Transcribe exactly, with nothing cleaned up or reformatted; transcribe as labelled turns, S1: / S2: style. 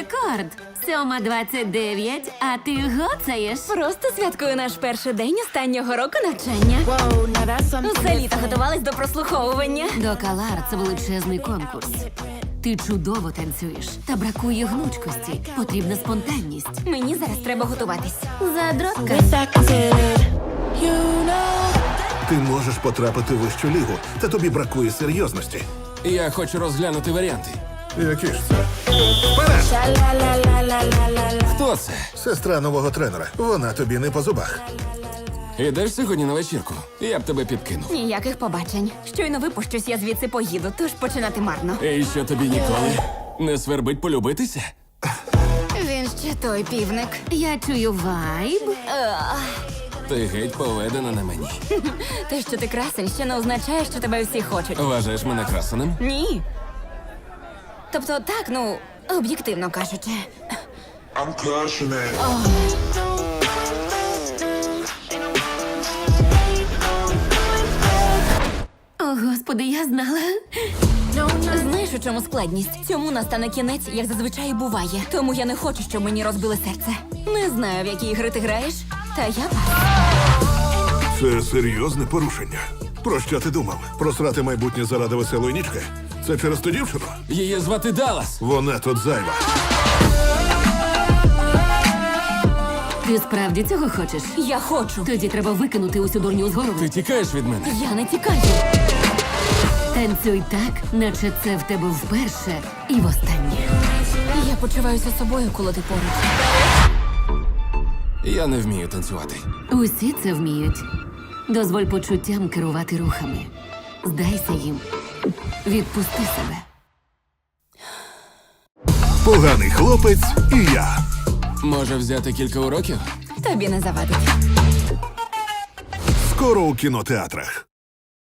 S1: рекорд. Сьома двадцять дев'ять, а ти гоцаєш.
S2: Просто святкую наш перший день останнього року навчання.
S3: Whoa, now that's something
S2: Усе літо
S3: different.
S2: готувались до прослуховування.
S1: До Калар це величезний конкурс. Ти чудово танцюєш, та бракує гнучкості. Потрібна спонтанність.
S2: Мені зараз треба готуватись.
S1: Задротка.
S3: Wish I could say that, you know.
S4: Ти можеш потрапити в вищу лігу, та тобі бракує серйозності.
S5: Я хочу розглянути варіанти.
S4: Які ж це? Вперед!
S3: Sha-la-la-la-la-la-la-la.
S5: Хто це?
S4: Сестра нового тренера. Вона тобі не по зубах.
S5: Ідеш сьогодні на вечірку? Я б тебе підкинув.
S2: Ніяких побачень. Щойно випущусь, я звідси поїду, тож починати марно.
S5: І що тобі ніколи не свербить полюбитися?
S2: Він ще той півник.
S1: Я чую вайб.
S5: Ти геть поведена на мені.
S2: Те, що ти красень, ще не означає, що тебе всі хочуть.
S5: Вважаєш мене красеним?
S2: Ні. Тобто так, ну, об'єктивно кажучи.
S6: I'm crushing it.
S1: О, господи, я знала.
S2: Знаєш, у чому складність? Цьому настане кінець, як зазвичай і буває. Тому я не хочу, щоб мені розбили серце. Не знаю, в які ігри ти граєш, та я пас.
S4: Це серйозне порушення. Про що ти думав? Просрати майбутнє заради веселої нічки? Це через ту дівчину?
S5: Її звати Даллас.
S4: Вона тут зайва.
S1: Ти справді цього хочеш?
S2: Я хочу.
S1: Тоді треба викинути усю дурню з голови.
S5: Ти тікаєш від мене?
S2: Я не тікаю.
S1: Танцюй так, наче це в тебе вперше і востаннє.
S2: Я почуваюся собою, коли ти поруч.
S5: Я не вмію танцювати.
S1: Усі це вміють. Дозволь почуттям керувати рухами. Здайся їм. Відпусти себе.
S4: Поганий хлопець і я.
S5: Може взяти кілька уроків?
S2: Тобі не завадить.
S4: Скоро у кінотеатрах.